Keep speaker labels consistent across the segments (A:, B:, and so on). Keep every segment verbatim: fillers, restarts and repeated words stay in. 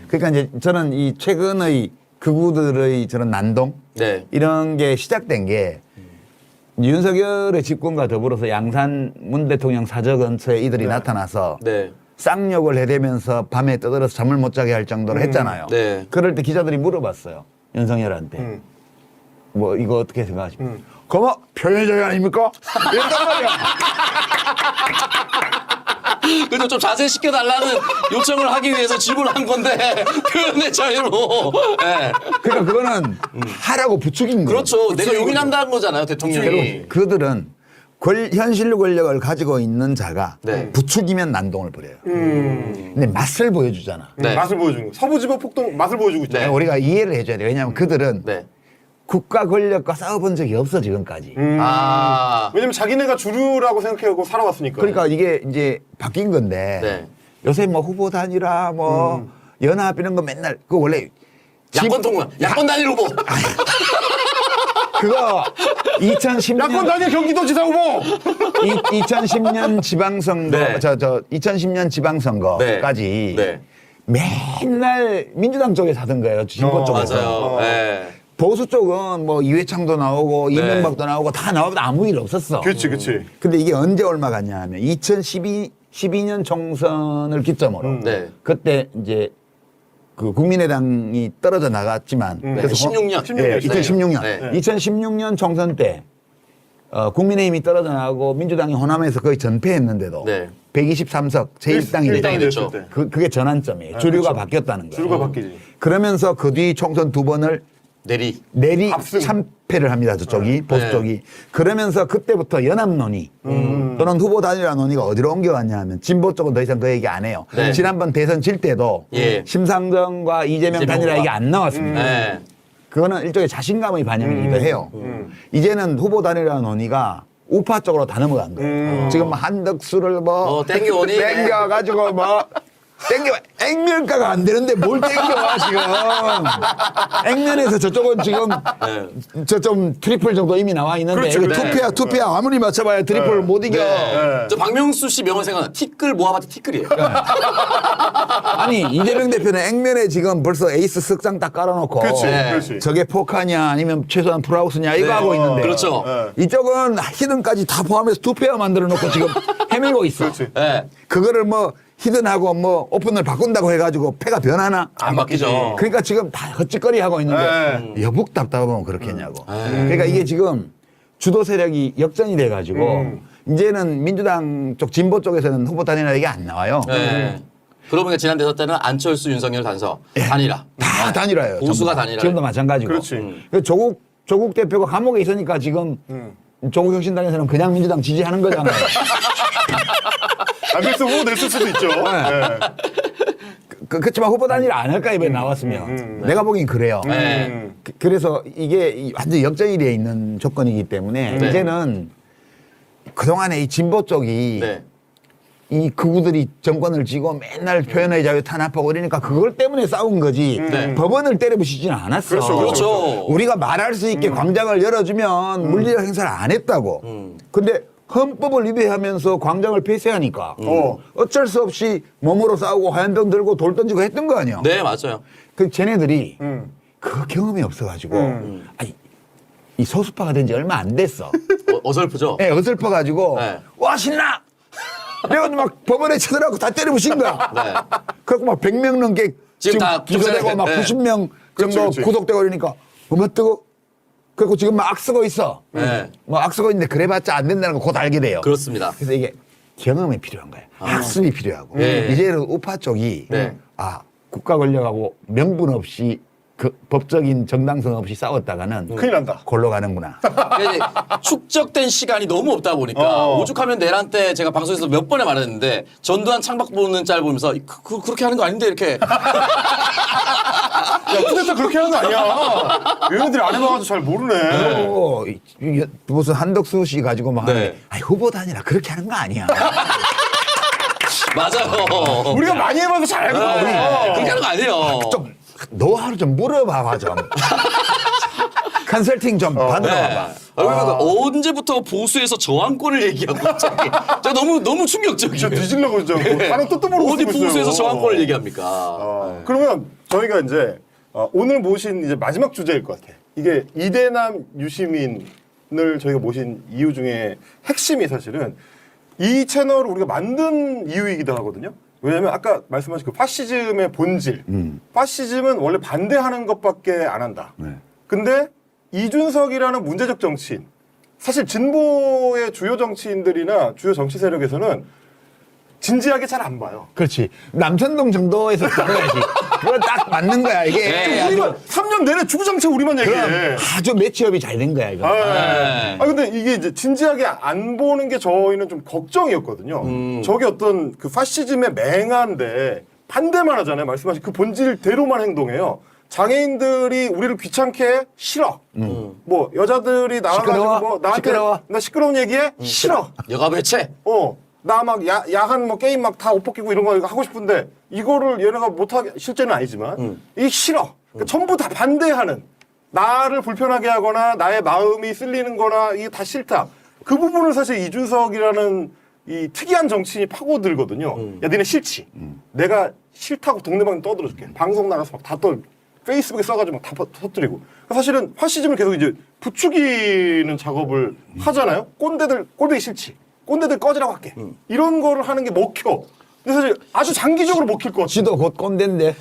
A: 그러니까 이제 저는 이 최근의 극우들의 저런 난동
B: 네.
A: 이런 게 시작된 게 윤석열의 집권과 더불어서 양산 문 대통령 사저 근처에 이들이
C: 네.
A: 나타나서
B: 네.
A: 쌍욕을 해대면서 밤에 떠들어서 잠을 못 자게 할 정도로
C: 음.
A: 했잖아요.
B: 네.
A: 그럴 때 기자들이 물어봤어요. 윤석열한테.
C: 음.
A: 뭐 이거 어떻게 생각하십니까?
C: 음.
A: 그거 표현의 자유 아닙니까? 이랬단 말이야.
B: 그래도 좀 자세시켜달라는 요청을 하기 위해서 질문한 건데 표현의 자유로. 네.
A: 그러니까 그거는 하라고 부추긴 거예요.
B: 그렇죠. 내가 용인한다는 거잖아요, 대통령이.
A: 결국 그들은 권, 현실 권력을 가지고 있는 자가
B: 네.
A: 부추기면 난동을 부려요.
C: 음.
A: 근데 맛을 보여주잖아.
B: 네.
C: 맛을 보여주는 거. 서부지법 폭동 맛을 보여주고 있잖아요.
B: 네.
A: 우리가 이해를 해줘야 돼. 왜냐하면 그들은
B: 네.
A: 국가 권력과 싸워본 적이 없어 지금까지.
C: 음.
B: 아.
C: 왜냐면 자기네가 주류라고 생각하고 살아왔으니까.
A: 그러니까 이게 이제 바뀐 건데
B: 네.
A: 요새 뭐 후보 단일화 뭐
C: 음.
A: 연합 이런 거 맨날 그 원래
B: 야권 통과, 야권 단일 후보.
A: 그거 이천십 년
C: 야권 단일 경기도지사 후보.
A: 이, 이천십 년 지방선거
B: 네.
A: 저 저 이천십 년 지방선거까지
B: 네.
A: 맨날 민주당 쪽에서 하던 거예요. 진보
C: 어,
A: 쪽에서.
B: 맞아요.
C: 어.
B: 네.
A: 보수 쪽은 뭐 이회창도 나오고
B: 네.
A: 이명박도 나오고 다 나와도 아무 일 없었어.
C: 그렇지, 그렇지.
A: 근데 이게 언제 얼마 갔냐 하면 이천십이 년 총선을 기점으로
C: 음.
B: 네.
A: 그때 이제 그 국민의당이 떨어져 나갔지만
C: 음.
B: 네.
A: 그래서
B: 십육 년.
A: 예, 이천십육 년.
B: 네.
A: 이천십육 년 총선 때 어, 국민의힘이 떨어져 나가고 민주당이 호남에서 거의 전패했는데도
B: 네.
A: 백이십삼 석 제일 당이
C: 일 당이
A: 됐죠.
B: 됐죠.
C: 됐을 때.
A: 그, 그게 전환점이에요.
C: 네,
A: 주류가
C: 그렇죠.
A: 바뀌었다는 거예요.
C: 주류가 바뀌지.
A: 그러면서 그 뒤 총선 두 번을
B: 내리.
A: 내리
C: 압승.
A: 참패를 합니다. 저쪽이 보수
B: 네.
A: 쪽이. 그러면서 그때부터 연합 논의
C: 음.
A: 또는 후보 단일화 논의가 어디로 옮겨갔냐 하면 진보 쪽은 더 이상 그 얘기 안 해요.
B: 네.
A: 지난번 대선 질 때도
B: 예.
A: 심상정과 이재명
B: 이재명과.
A: 단일화 얘기 안 나왔습니다.
B: 네.
A: 그거는 일종의 자신감의 반영이기도
C: 음.
A: 해요.
C: 음.
A: 이제는 후보 단일화 논의가 우파 쪽으로 다 넘어간 거예요.
C: 음.
A: 지금 뭐 한덕수를 뭐
B: 뭐 땡겨오니?
A: 땡겨가지고 뭐 땡겨 액면가가 안 되는데 뭘 땡겨와 지금 액면에서 저쪽은 지금
B: 네.
A: 저 좀 트리플 정도 이미 나와 있는데
C: 그렇죠,
A: 이거
C: 그렇죠.
A: 투피야 투피야 아무리 맞춰봐야 트리플
C: 네.
A: 못 이겨.
B: 네. 저 박명수 씨 명언 생각나. 티끌 모아봤자 티끌이에요.
A: 아니 이재명 대표는 액면에 지금 벌써 에이스 석장 딱 깔아놓고
C: 그렇지,
B: 네.
C: 그렇지.
A: 저게 포카냐 아니면 최소한 풀하우스냐 이거
B: 네.
A: 하고 있는데
B: 그렇죠.
C: 네.
A: 이쪽은 히든까지 다 포함해서 두 페어 만들어 놓고 지금 헤매고 있어.
C: 그렇지.
B: 네.
A: 그거를 뭐 히든하고 뭐 오픈을 바꾼다고 해가지고 패가 변하나?
B: 안 바뀌죠.
A: 그러니까 지금 다 헛짓거리 하고 있는데
C: 네.
A: 여북 답답하면 그렇겠냐고. 그러니까 이게 지금 주도 세력이 역전이 돼가지고
C: 음.
A: 이제는 민주당 쪽 진보 쪽에서는 후보 단일화 얘기 안 나와요.
B: 네. 그러고 보니까 지난 대선 때는 안철수, 윤석열 단서 단일화.
A: 다 단일화예요.
B: 보수가
A: 전부 다.
B: 단일화예요.
A: 지금도 마찬가지고.
C: 그렇지.
B: 음.
A: 그 조국 조국 대표가 감옥에 있으니까 지금
C: 음.
A: 조국 혁신당에서는 그냥 민주당 지지하는 거잖아요.
C: 안 됐어 후보 냈을 수도 있죠. 네.
A: 그, 그렇지만 후보 단일화 안 할까 이번에 나왔으면
C: 음,
A: 내가 보기엔 그래요.
B: 네.
C: 음.
A: 그- 그래서 이게 이 완전 역전이 돼 있는 조건이기 때문에
B: 네.
A: 이제는 그동안에 이 진보 쪽이
B: 네.
A: 이 극우들이 정권을 쥐고 맨날 표현의 자유 탄압하고 그러니까 그걸 때문에 싸운 거지
B: 네.
A: 법원을 때려부시지는 않았어.
C: 그렇죠,
B: 그렇죠.
A: 우리가 말할 수 있게 광장을 열어주면 물리적 행사를 안 했다고.
B: 음.
A: 근데 헌법을 위배하면서 광장을 폐쇄하니까
C: 어.
A: 어쩔 수 없이 몸으로 싸우고 화염병 들고 돌 던지고 했던 거 아니야.
B: 네, 맞아요.
A: 그 쟤네들이
C: 음.
A: 그 경험이 없어가지고
C: 음.
A: 아니 이 소수파가 된 지 얼마 안 됐어.
B: 어, 어설프죠?
A: 예, 어설퍼가지고
B: 네.
A: 와 신나. 내가 막 법원에 쳐들어가고 다 때려부신 거야.
B: 네.
A: 그래고 막 백 명 넘게
B: 지금 다
A: 기소되고 막
B: 네.
A: 구십 명
C: 그렇지,
A: 정도
C: 그렇지.
A: 구속되고 그러니까 어머 뜨거. 그리고 지금 막 악쓰고 있어.
B: 네.
A: 뭐 악쓰고 있는데 그래봤자 안 된다는 거 곧 알게 돼요.
B: 그렇습니다.
A: 그래서 이게 경험이 필요한 거예요. 학습이 필요하고.
B: 네.
A: 이제는 우파 쪽이
B: 네.
A: 아 국가 권력하고 명분 없이 그 법적인 정당성 없이 싸웠다가는
C: 큰일 난다.
A: 골로 가는구나.
B: 그러니까 이제 축적된 시간이 너무 없다 보니까
C: 어.
B: 오죽하면 내란 때 제가 방송에서 몇 번에 말했는데 전두환 창밖 보는 짤 보면서 그, 그, 그렇게 하는 거 아닌데 이렇게
C: 야 쿠데타 그렇게 하는 거 아니야. 얘네들이 안 해봐가지고 잘 모르네.
A: 어, 이- 이- 무슨 한덕수 씨 가지고 막
B: 네.
A: 하는데 아니 후보 단일화 그렇게 하는 거 아니야.
B: 맞아요.
C: 우리가 많이 해봐서 잘 알고
B: 네.
C: 있어.
B: 그렇게 하는 거 아니에요.
A: 좀 노하우를 좀 물어봐봐 좀. 컨설팅 좀 받으러
B: 네.
A: 와봐.
B: 아, 그러니까 언제부터 보수에서 저항권을 얘기하고 갑자기. 저 너무 너무 충격적이에요.
C: 진짜 뒤질려고 진짜 뭐 다른 뜻도 모르고
B: 어디
C: 쓰고 있어요.
B: 보수에서 저항권을 얘기합니까?
C: 어, 그러면 저희가 이제 어, 오늘 모신 이제 마지막 주제일 것 같아. 이게 이대남 유시민을 저희가 모신 이유 중에 핵심이 사실은 이 채널을 우리가 만든 이유이기도 하거든요. 왜냐면 아까 말씀하신 그 파시즘의 본질.
A: 음.
C: 파시즘은 원래 반대하는 것밖에 안 한다.
A: 네.
C: 근데 이준석이라는 문제적 정치인, 사실 진보의 주요 정치인들이나 주요 정치 세력에서는 진지하게 잘 안 봐요.
A: 그렇지. 남천동 정도에서 다뤄야지. 그거 딱 맞는 거야. 이게
B: 네.
A: 아주,
C: 우리만 삼 년 내내 주구장창 우리만 얘기해.
A: 그럼 아주 매치업이 잘 된 거야 이거.
C: 아,
B: 네.
C: 아 근데 이게 이제 진지하게 안 보는 게 저희는 좀 걱정이었거든요.
B: 음.
C: 저게 어떤 그 파시즘의 맹한데 반대만 하잖아요. 말씀하신 그 본질대로만 행동해요. 장애인들이 우리를 귀찮게 해? 싫어. 뭐 여자들이 나와가지고
A: 시끄러워?
C: 뭐 나한테
A: 시끄러워?
C: 나 시끄러운 얘기해? 싫어.
B: 여가 배체.
C: 어. 나 막 야한 뭐 게임 막 다 옷 벗기고 이런 거 하고 싶은데 이거를 얘네가 못하게 실제는 아니지만 이게 싫어. 그러니까 전부 다 반대하는, 나를 불편하게 하거나 나의 마음이 쓸리는 거나 이게 다 싫다. 그 부분을 사실 이준석이라는 이 특이한 정치인이 파고들거든요. 야 니네 싫지? 내가 싫다고 동네방네 떠들어줄게. 방송 나가서 막 다 떠 페이스북에 써가지고 막 다 터뜨리고. 사실은 파시즘을 계속 이제 부추기는 작업을 하잖아요. 꼰대들 꼴보기 싫지. 꼰대들 꺼지라고 할게. 이런 거를 하는 게 먹혀. 근데 사실 아주 장기적으로 먹힐 것 같아요.
A: 지도 곧 꼰대인데.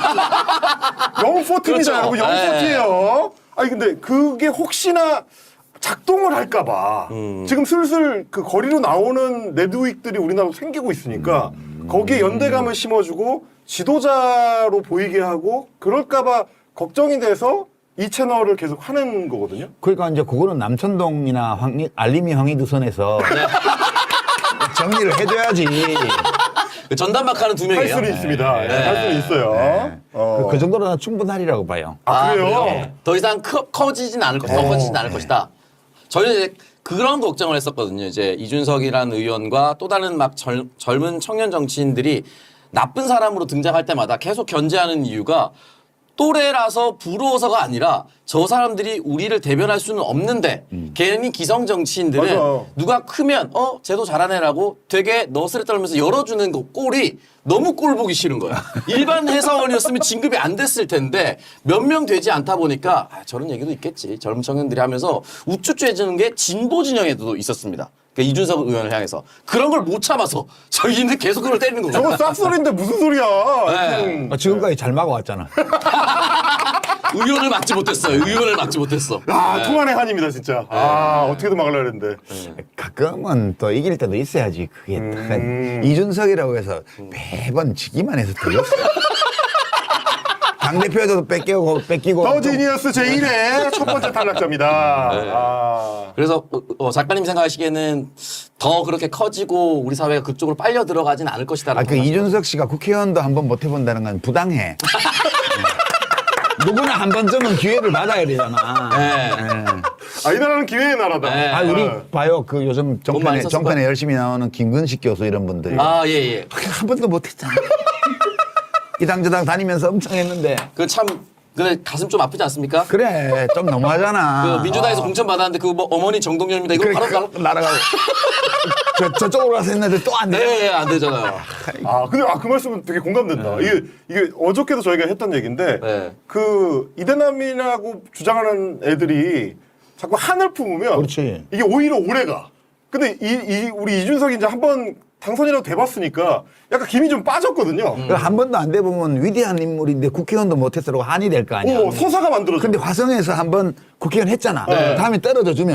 C: 영포팀이잖아요.
B: 그렇죠.
C: 영포티예요. 아니 근데 그게 혹시나 작동을 할까봐 지금 슬슬 그 거리로 나오는 네드윅들이 우리나라로 생기고 있으니까 거기에 연대감을 심어주고 지도자로 보이게 하고 그럴까봐 걱정이 돼서 이 채널을 계속 하는 거거든요.
A: 그러니까 이제 그거는 남천동이나 황리, 알림이 황희두 선에서 정리를 해줘야지.
B: 그 전담박하는 두
C: 할
B: 명이에요.
C: 수는 있습니다. 네, 할 수는 있어요.
A: 네.
C: 어.
A: 그, 그 정도로는 충분하리라고 봐요.
C: 아, 그래요?
B: 더 이상 커, 커지진 않을 것이다. 더
C: 어.
B: 커지진 않을 것이다. 저희는 이제 그런 걱정을 했었거든요. 이제 이준석이라는 의원과 또 다른 막 젊, 젊은 청년 정치인들이 나쁜 사람으로 등장할 때마다 계속 견제하는 이유가 또래라서 부러워서가 아니라 저 사람들이 우리를 대변할 수는 없는데 괜히 기성 정치인들은
C: 맞아요.
B: 누가 크면 어 쟤도 잘하네라고 되게 너스레 떨면서 열어주는 거 꼴이 너무 꼴 보기 싫은 거야. 일반 회사원이었으면 진급이 안 됐을 텐데 몇 명 되지 않다 보니까 아, 저런 얘기도 있겠지. 젊은 청년들이 하면서 우쭈쭈해지는 게 진보 진영에도 있었습니다. 그러니까 이준석 의원을 향해서 그런 걸 못 참아서 저희는 계속 그걸 때리는 거죠.
C: 저거 싹소리인데 무슨 소리야.
B: 네.
C: 음.
A: 아, 지금까지 잘 막아왔잖아.
B: 의원을 막지 못했어요. 의원을 막지 못했어.
C: 아, 통한의 한입니다, 진짜. 아, 어떻게든 막으려고 했는데.
A: 가끔은 또 이길 때도 있어야지. 그게
C: 음.
A: 딱 이준석이라고 해서 매번 지기만 해서 되겠어. 당대표에서도 뺏기고 뺏기고.
C: 더 지니어스 제일 회 첫 번째 탈락자입니다. 아.
B: 그래서 어, 어, 작가님 생각하시기에는 더 그렇게 커지고 우리 사회가 그쪽으로 빨려 들어가진 않을 것이다.
A: 아, 그 이준석 씨가 국회의원도 한번 못 해본다는 건 부당해. 네. 누구나 한 번쯤은 기회를 받아야 되잖아.
B: 네.
A: 네.
C: 아, 이 나라는 기회의 나라다.
B: 네.
A: 아, 우리
C: 어.
A: 봐요. 그 요즘
B: 돈 많이
A: 정편에,
B: 썼을
A: 정편에
B: 거야.
A: 열심히 나오는 김근식 교수 이런 분들.
B: 아, 예, 예.
A: 한 번도 못 했잖아. 이당저당 다니면서 엄청 했는데.
B: 그 참, 근데 가슴 좀 아프지 않습니까?
A: 그래, 좀 너무하잖아.
B: 그 민주당에서 공천 받았는데 그 뭐 어머니 정동영입니다. 이거
A: 그래,
B: 바로 바로.
A: 그, 날아가고. 저, 저쪽으로 가서 했는데 또 안 돼.
B: 네, 안 되잖아요.
C: 아, 근데 아, 그 말씀은 되게 공감된다. 이게, 이게 어저께도 저희가 했던 얘기인데,
B: 네.
C: 그 이대남이라고 주장하는 애들이 자꾸 한을 품으면
A: 그렇지.
C: 이게 오히려 오래 가. 근데 이, 이 우리 이준석이 이제 한번 당선이라도 돼봤으니까 약간 김이 좀 빠졌거든요.
A: 그 한 번도 안 돼보면 위대한 인물인데 국회의원도 못했으라고 한이 될 거 아니야.
C: 오, 서사가 만들어져.
A: 근데 화성에서 한번 국회의원 했잖아.
C: 네.
A: 다음에 떨어져 주면.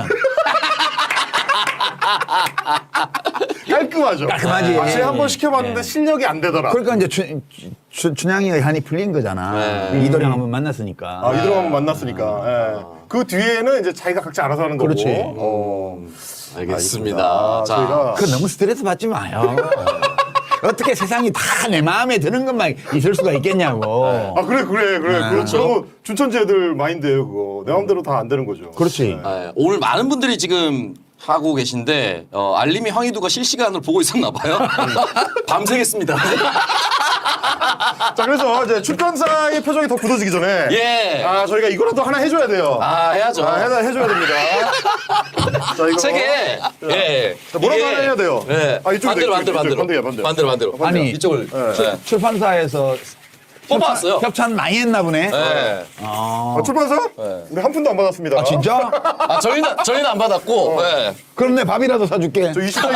C: 깔끔하죠.
A: 깔끔하지.
C: 확실히 한번 시켜봤는데
A: 네.
C: 실력이 안 되더라.
A: 그러니까 이제 춘, 춘, 춘향이의 한이 풀린 거잖아.
B: 네.
A: 이도령 한번 만났으니까.
C: 아, 이들하고 한번 만났으니까. 예. 그 뒤에는 이제 자기가 각자 알아서 하는 거고.
A: 그렇지.
C: 어.
B: 알겠습니다.
C: 아,
B: 자,
C: 저희가
A: 그 너무 스트레스 받지 마요. 어떻게 세상이 다 내 마음에 드는 것만 있을 수가 있겠냐고.
C: 아 그래 그래 그래
A: 네.
C: 그렇죠. 그거 준천지 애들 마인드예요 그거. 내 마음대로 다 안 되는 거죠.
A: 그렇지.
C: 네.
B: 아, 오늘 많은 분들이 지금 하고 계신데 어, 알림이 황희두가 실시간으로 보고 있었나 봐요. 밤새겠습니다.
C: 자, 그래서 이제 출판사의 표정이 더 굳어지기 전에
B: 예.
C: 아, 저희가 이거라도 하나 해줘야 돼요.
B: 아 해야죠.
C: 아, 해야, 해줘야 됩니다. 자, 이거.
B: 책에 예.
C: 자, 뭐라도
B: 이게-
C: 하나 해야 돼요.
B: 예.
C: 아, 이쪽으로
B: 반대로
C: 돼,
B: 반대로
C: 이쪽,
B: 반대로
C: 반대야, 반대.
B: 반대로 반대로.
A: 아니,
B: 이쪽을 예.
A: 출판사에서
B: 뽑아왔어요.
A: 협찬 많이 했나 보네.
B: 예.
C: 아, 출판사? 우리 한 푼도 안 받았습니다.
A: 아, 진짜?
B: 아 저희는 저희는 안 받았고 예.
A: 그럼 내 밥이라도 사줄게.
C: 저 이십 대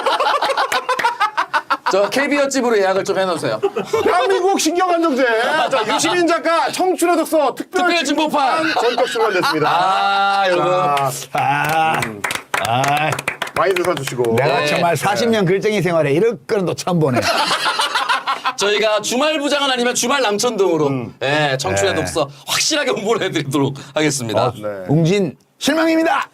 B: 저 케이비오 집으로 예약을 좀 해놓으세요.
C: 대한민국 신경안정제. 자, 유시민 작가 청춘의 독서 특별
B: 특별 진보판.
C: 전격 출간됐습니다.
B: 아 여러분.
C: 아,
A: 아, 아,
C: 많이들 사주시고.
A: 내가
B: 네.
A: 정말 사십 년 글쟁이 생활에 이럴 거는 또 처음 보네.
B: 저희가 주말 부장은 아니면 주말 남천동으로 예, 청춘의
A: 네.
B: 독서 확실하게 홍보를 해드리도록 하겠습니다.
C: 네.
A: 웅진 실망입니다.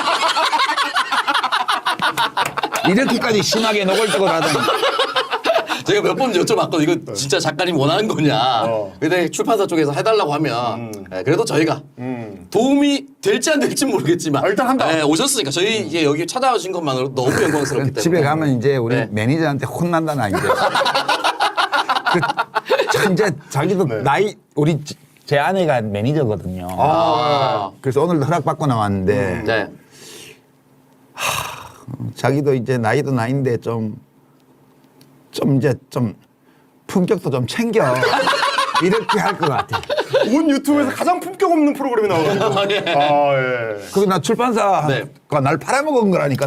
A: 이렇게까지 심하게 노골적으로 하다니.
B: 제가 몇 번 여쭤봤거든요. 이거 진짜 작가님 원하는 거냐.
C: 어.
B: 근데 출판사 쪽에서 해달라고 하면 예, 그래도 저희가
C: 음.
B: 도움이 될지 안 될지 모르겠지만
C: 아, 일단 한다.
B: 예, 오셨으니까 저희 이제 여기 찾아오신 것만으로 너무 영광스럽기 때문에
A: 집에 가면 이제 우리
B: 네.
A: 매니저한테 혼난다 나 이제. 그, 참 이제 자기도
C: 네.
A: 나이 우리 지- 제 아내가 매니저거든요.
B: 아,
A: 그래서 오늘도 허락받고 나왔는데
B: 네.
A: 자기도 이제 나이도 나이인데 좀 좀 이제 좀 품격도 좀 챙겨 이렇게 할 것 같아.
C: 온 유튜브에서 가장 품격 없는 프로그램이 나오거든요.
B: 아, 예.
C: 아, 예.
A: 그게 나 출판사가
B: 네.
A: 날 팔아먹은 거라니까.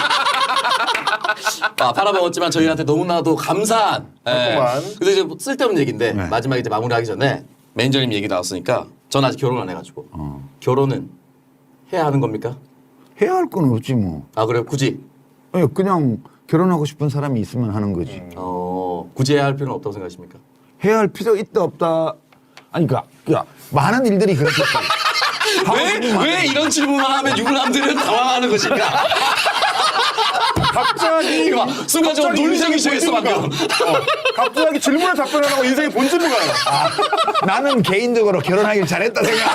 B: 아, 팔아먹었지만 저희한테 너무나도 감사한. 예.
C: 그렇구만.
B: 근데 이제 뭐 쓸데없는 얘기인데
A: 네.
B: 마지막에 이제 마무리하기 전에 매니저님 얘기 나왔으니까 전 아직 결혼 안 해가지고
A: 어.
B: 결혼은 해야 하는 겁니까?
A: 해야 할 건 없지 뭐.
B: 아 그래요? 굳이
A: 아니, 그냥 결혼하고 싶은 사람이 있으면 하는 거지.
B: 어 굳이 해야 할 필요는 없다고 생각하십니까?
A: 해야 할 필요 있다 없다. 아니 그니까 그러니까 많은 일들이 그렇겠지.
B: 왜, 왜 이런 질문을 하면 유부남들은 당황하는 것일까?
C: 갑자기
B: 이거 봐, 순간적으로
C: 갑자기
B: 논리적인
C: 인생이
B: 시작했어,
C: 본질로
B: 방금.
C: 가. 어, 갑자기 질문에 답변하고 인생의 본질로 가요.
A: 나는 개인적으로 결혼하길 잘했다 생각.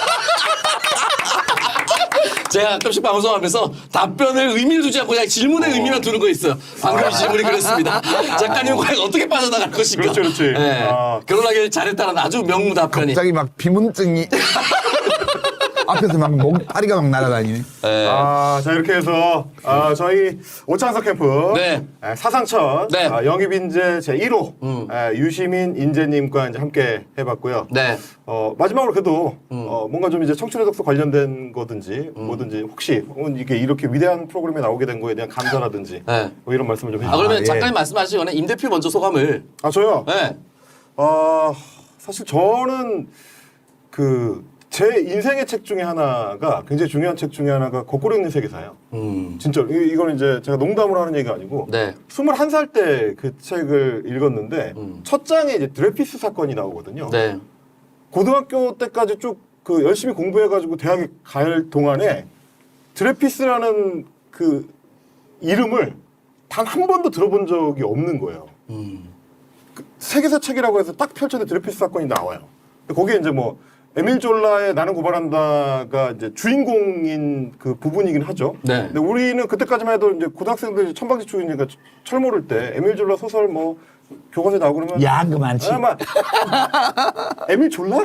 B: 제가 가끔씩 방송하면서 답변을 의미를 두지 않고 그냥 질문에 의미만 두는 거 있어요. 방금 이 질문이 그랬습니다. 작가님은 과연 어떻게 빠져나갈 것인가?
C: 그렇지, 그렇지.
B: 예.
C: 아.
B: 결혼하길 잘했다는 아주 명무 답변이.
A: 갑자기 막 비문증이 앞에서 막 목 다리가 막 날아다니네.
B: 예.
C: 아, 자 이렇게 해서 아, 저희 오창석 캠프
B: 네.
C: 아, 사상천
B: 네.
C: 아, 영입 인재 제일 호
B: 음.
C: 아, 유시민 인재님과 이제 함께 해봤고요.
B: 네.
C: 어, 마지막으로 그래도
B: 음.
C: 어, 뭔가 좀 이제 청춘의 독서 관련된 거든지 뭐든지 혹시 어, 이게 이렇게 위대한 프로그램에 나오게 된 거에 대한 감사라든지
B: 네.
C: 뭐 이런 말씀을 좀
B: 아,
C: 해주세요.
B: 그러면
A: 아, 예.
B: 작가님 말씀하시기 전에 임 대표 먼저 소감을.
C: 아, 저요?
B: 네.
C: 아, 사실 저는 그 제 인생의 책 중에 하나가 굉장히 중요한 책 중에 하나가 거꾸로 읽는 세계사예요.
B: 음.
C: 진짜 이- 이거는 이제 제가 농담으로 하는 얘기가 아니고
B: 네.
C: 스물한 살 때 그 책을 읽었는데
B: 음.
C: 첫 장에 이제 드레피스 사건이 나오거든요.
B: 네.
C: 고등학교 때까지 쭉 그 열심히 공부해가지고 대학에 갈 동안에 드레피스라는 그 이름을 단 한 번도 들어본 적이 없는 거예요.
B: 음.
C: 그 세계사 책이라고 해서 딱 펼쳐도 드레피스 사건이 나와요. 거기에 이제 뭐 에밀 졸라의 나는 고발한다가 이제 주인공인 그 부분이긴 하죠.
B: 네.
C: 근데 우리는 그때까지만 해도 이제 고등학생들이 천방지축이니까 철 모를 때 에밀 졸라 소설 뭐 교과서에 나오고 그러면
A: 야 그만치.
C: 아, 막 에밀 졸라?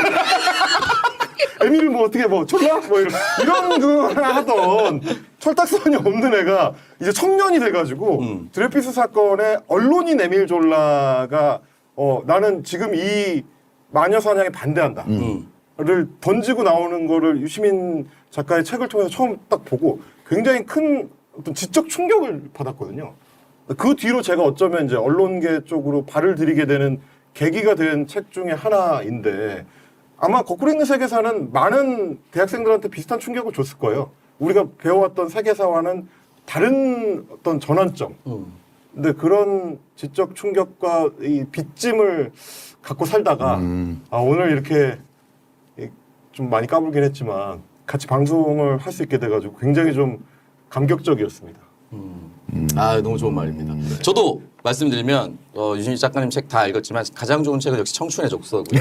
C: 에밀을 뭐 어떻게 뭐 졸라? 뭐 이런 이런 그 하던 철딱선이 없는 애가 이제 청년이 돼가지고
B: 음.
C: 드레피스 사건의 언론인 에밀 졸라가 어 나는 지금 이 마녀 사냥에 반대한다.
B: 음.
C: 를 던지고 나오는 거를 유시민 작가의 책을 통해서 처음 딱 보고 굉장히 큰 어떤 지적 충격을 받았거든요. 그 뒤로 제가 어쩌면 이제 언론계 쪽으로 발을 들이게 되는 계기가 된 책 중에 하나인데 아마 거꾸로 읽는 세계사는 많은 대학생들한테 비슷한 충격을 줬을 거예요. 우리가 배워왔던 세계사와는 다른 어떤 전환점.
B: 음.
C: 근데 그런 지적 충격과 이 빚짐을 갖고 살다가 아, 오늘 이렇게 이- 좀 많이 까불긴 했지만 같이 방송을 할 수 있게 돼가지고 굉장히 좀 감격적이었습니다.
B: 아 너무 좋은 말입니다. 저도 말씀드리면 어, 유신희 작가님 책 다 읽었지만 가장 좋은 책은 역시 청춘의 족서고요.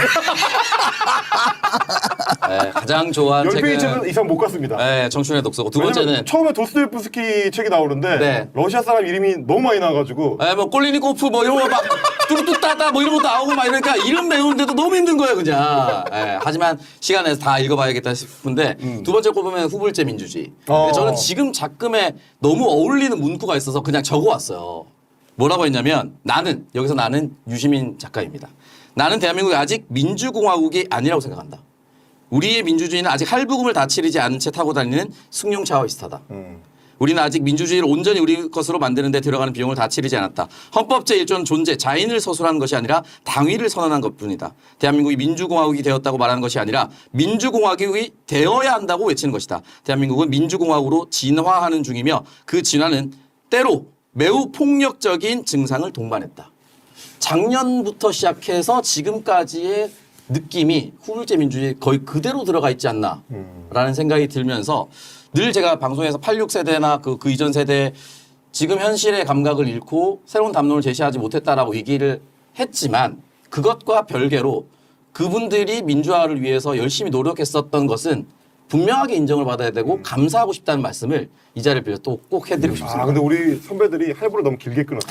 B: 네, 가장 좋아하는
C: 열
B: 책은
C: 페이지 이상 못 갔습니다.
B: 네, 청춘의 독서고 두
C: 왜냐면
B: 번째는
C: 처음에 도스토옙스키 책이 나오는데
B: 네.
C: 러시아 사람 이름이 너무 많이 나와가지고
B: 네, 뭐 꼴리니코프 뭐 이런 거막 뚜루뚜따따 뭐 이런 것도 나오고 막 이러니까 이름 배우는데도 너무 힘든 거예요 그냥. 네, 하지만 시간 내서 다 읽어봐야겠다 싶은데 두 번째 꼽으면 후불제 민주주의.
C: 어.
B: 근데 저는 지금 작금에 너무 어울리는 문구가 있어서 그냥 적어왔어요. 뭐라고 했냐면 나는 여기서 나는 유시민 작가입니다. 나는 대한민국이 아직 민주공화국이 아니라고 생각한다. 우리의 민주주의는 아직 할부금을 다 치르지 않은 채 타고 다니는 승용차와 비슷하다.
C: 음.
B: 우리는 아직 민주주의를 온전히 우리 것으로 만드는 데 들어가는 비용을 다 치르지 않았다. 헌법 제일 조는 존재, 자인을 서술하는 것이 아니라 당위를 선언한 것뿐이다. 대한민국이 민주공화국이 되었다고 말하는 것이 아니라 민주공화국이 되어야 한다고 외치는 것이다. 대한민국은 민주공화국으로 진화하는 중이며 그 진화는 때로 매우 폭력적인 증상을 동반했다. 작년부터 시작해서 지금까지의 느낌이 후불제 민주주의 거의 그대로 들어가 있지 않나라는 생각이 들면서 늘 제가 방송에서 팔십육 세대나 그, 그 이전 세대 지금 현실의 감각을 잃고 새로운 담론을 제시하지 못했다라고 얘기를 했지만 그것과 별개로 그분들이 민주화를 위해서 열심히 노력했었던 것은 분명하게 인정을 받아야 되고 감사하고 싶다는 말씀을 이 자리를 빌려 또 꼭 해드리고 싶습니다.
C: 아 근데 우리 선배들이 할부를 너무 길게 끊었어.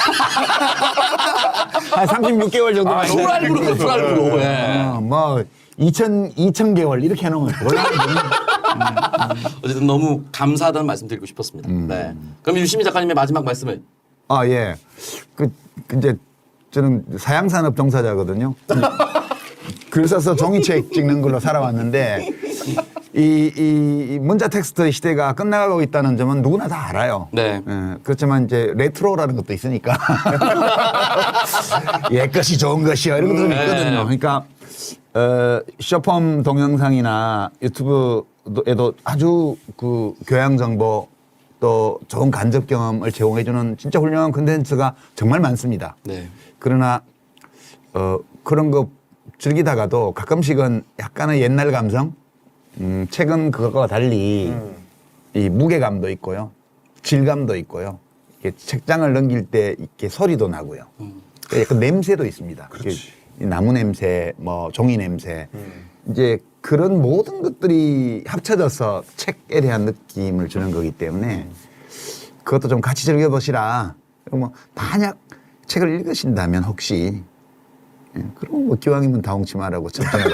A: 한 삼십육 개월 정도.
C: 아,
B: 풀 할부로 풀 할부로. 예.
A: 어, 뭐 이천 이천 개월 이렇게 해놓으면 곤란하거든요.
B: 어쨌든 너무 감사하다는 말씀 드리고 싶었습니다. 네. 그럼 유시민 작가님의 마지막 말씀을.
A: 아 예. 그, 그 이제 저는 사양산업 종사자거든요. 글 써서 종이책 찍는 걸로 살아왔는데 이, 이 문자 텍스트 시대가 끝나가고 있다는 점은 누구나 다 알아요.
B: 네.
A: 예, 그렇지만 이제 레트로라는 것도 있으니까 옛 것이 좋은 것이요 이런 것도 좀
B: 네.
A: 있거든요. 그러니까 어, 쇼폼 동영상이나 유튜브에도 아주 그 교양 정보 또 좋은 간접 경험을 제공해주는 진짜 훌륭한 콘텐츠가 정말 많습니다.
B: 네.
A: 그러나 어, 그런 거 즐기다가도 가끔씩은 약간의 옛날 감성, 음, 최근 그것과 달리
C: 음.
A: 이 무게감도 있고요, 질감도 있고요. 이게 책장을 넘길 때 이렇게 소리도 나고요.
B: 음.
A: 약간 냄새도 있습니다. 이렇게 이 나무 냄새, 뭐 종이 냄새,
C: 음.
A: 이제 그런 모든 것들이 합쳐져서 책에 대한 느낌을 주는 거기 때문에 그것도 좀 같이 즐겨보시라. 뭐 만약 책을 읽으신다면 혹시 예, 그럼 뭐 기왕이면 다홍치마라고 접근해볼게요.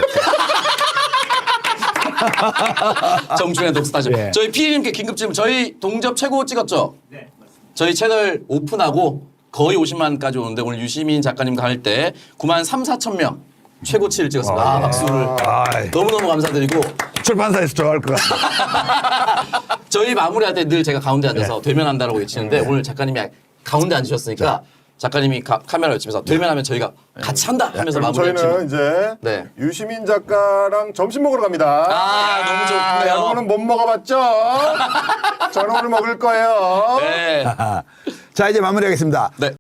B: 정준의 독스타죠.
A: 예.
B: 저희 피디님께 긴급 질문. 저희 동접 최고 찍었죠? 네, 맞습니다. 저희 채널 오픈하고 거의 오십만까지 오는데 오늘 유시민 작가님과 할 때 구만 삼, 사천 명 최고치를 찍었습니다. 아, 박수를.
A: 아이.
B: 너무너무 감사드리고
A: 출판사에서 좋아할 것 같아요.
B: 저희 마무리할 때 늘 제가 가운데 앉아서 되면한다라고 외치는데 오늘 작가님이 가운데 앉으셨으니까 작가님이 가, 카메라 외치면서 되면하면 저희가 같이 한다 하면서
C: 그럼
B: 마무리할
C: 저희는 이제
B: 네.
C: 유시민 작가랑 점심 먹으러 갑니다.
B: 아, 너무 좋네요.
C: 여러분은 못 먹어봤죠? 저는 오늘 먹을 거예요.
B: 네.
A: 자, 이제 마무리하겠습니다.
B: 네.